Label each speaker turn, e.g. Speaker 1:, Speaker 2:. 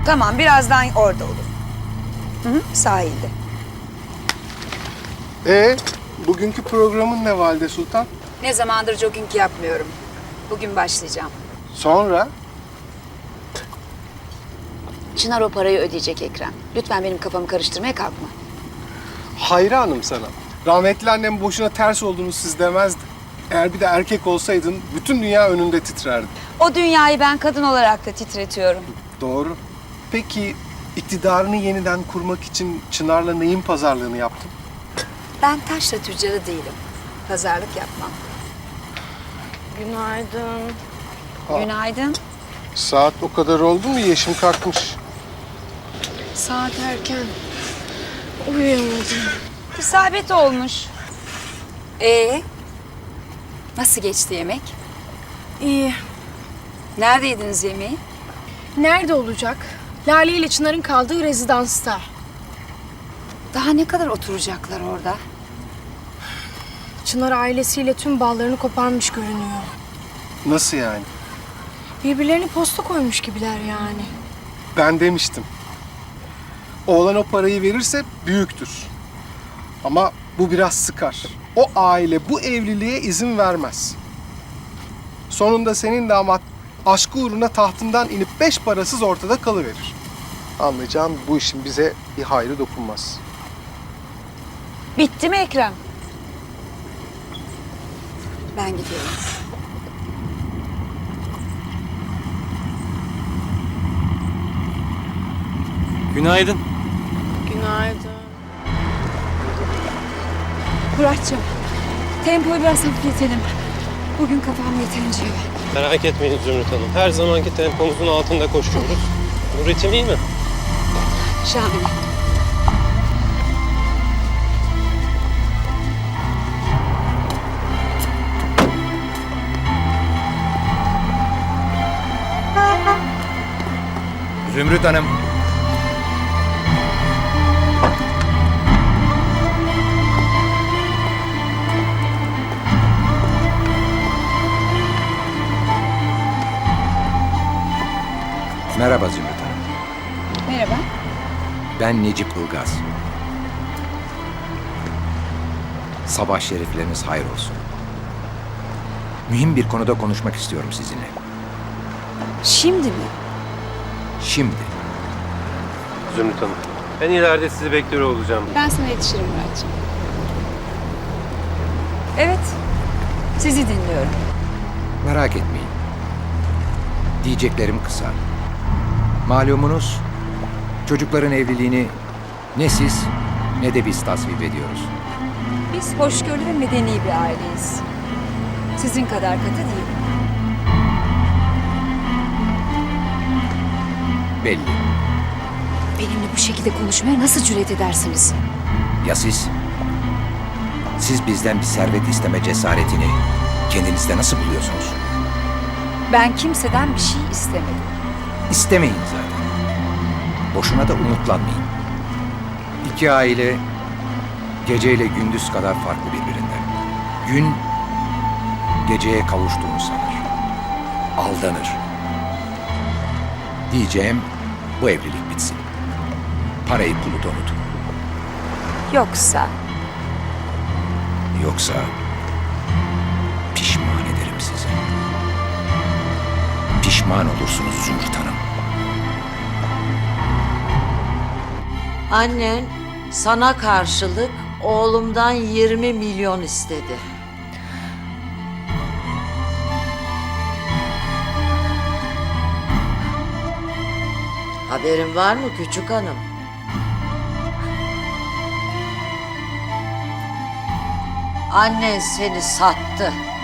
Speaker 1: Tamam, birazdan orada olur. Hı hı, sahilde.
Speaker 2: Bugünkü programın ne Valide Sultan?
Speaker 1: Ne zamandır jogging yapmıyorum. Bugün başlayacağım.
Speaker 2: Sonra?
Speaker 1: Çınar o parayı ödeyecek Ekrem. Lütfen benim kafamı karıştırmaya kalkma.
Speaker 2: Hayranım sana. Rahmetli annem boşuna ters olduğunu siz demezdi. Eğer bir de erkek olsaydın bütün dünya önünde titrerdi.
Speaker 1: O dünyayı ben kadın olarak da titretiyorum.
Speaker 2: Doğru. Peki iktidarını yeniden kurmak için Çınar'la neyin pazarlığını yaptın?
Speaker 1: Ben taşra tüccarı değilim. Pazarlık yapmam.
Speaker 3: Günaydın.
Speaker 1: Günaydın.
Speaker 2: Saat o kadar oldu mu yeşim kalkmış.
Speaker 3: Saat erken. Uyuyamadım.
Speaker 1: İsabet olmuş. Nasıl geçti yemek?
Speaker 3: İyi.
Speaker 1: Nerede yediniz yemeği?
Speaker 3: Nerede olacak? Lale ile Çınar'ın kaldığı rezidansta.
Speaker 1: Daha ne kadar oturacaklar orada?
Speaker 3: Çınar ailesiyle tüm bağlarını koparmış görünüyor.
Speaker 2: Nasıl yani?
Speaker 3: Birbirlerine posta koymuş gibiler yani.
Speaker 2: Ben demiştim. Oğlan o parayı verirse büyüktür. Ama bu biraz sıkar. O aile bu evliliğe izin vermez. Sonunda senin damat aşkı uğruna tahtından inip 5 parasız ortada kalıverir. Anlayacağım bu işin bize bir hayrı dokunmaz.
Speaker 1: Bitti mi Ekrem? Ben gidiyorum.
Speaker 4: Günaydın.
Speaker 3: Günaydın.
Speaker 1: Muratcığım, tempoyu biraz hafifletelim. Bugün kafam yeterince yok.
Speaker 4: Merak etmeyin Zümrüt Hanım. Her zamanki tempomuzun altında koşuyoruz. Bu ritim iyi mi?
Speaker 1: Şahane.
Speaker 5: Zümrüt Hanım. Merhaba Zümrüt Hanım.
Speaker 1: Merhaba.
Speaker 5: Ben Necip Ilgaz. Sabah şerifleriniz hayır olsun. Mühim bir konuda konuşmak istiyorum sizinle.
Speaker 1: Şimdi mi?
Speaker 5: Şimdi.
Speaker 4: Zümrüt Hanım. Ben ileride sizi bekliyor olacağım.
Speaker 1: Ben sana yetişirim Muratcığım. Evet, sizi dinliyorum.
Speaker 5: Merak etmeyin. Diyeceklerim kısa. Malumunuz çocukların evliliğini ne siz ne de biz tasvip ediyoruz.
Speaker 1: Biz hoşgörülü ve medeni bir aileyiz. Sizin kadar katı değil.
Speaker 5: Belli.
Speaker 1: Benimle bu şekilde konuşmaya nasıl cüret edersiniz?
Speaker 5: Ya siz? Siz bizden bir servet isteme cesaretini kendinizde nasıl buluyorsunuz?
Speaker 1: Ben kimseden bir şey istemedim.
Speaker 5: İstemeyin zaten. Boşuna da umutlanmayın. İki aile geceyle gündüz kadar farklı birbirinden. Gün geceye kavuştuğunu sanır. Aldanır. Diyeceğim bu evlilik bitsin. Parayı pulu da unutun. Yoksa pişman ederim sizi. Pişman olursunuz Zümrüt Hanım.
Speaker 6: Annen sana karşılık oğlumdan 20 milyon istedi. Haberin var mı küçük hanım? Annen seni sattı.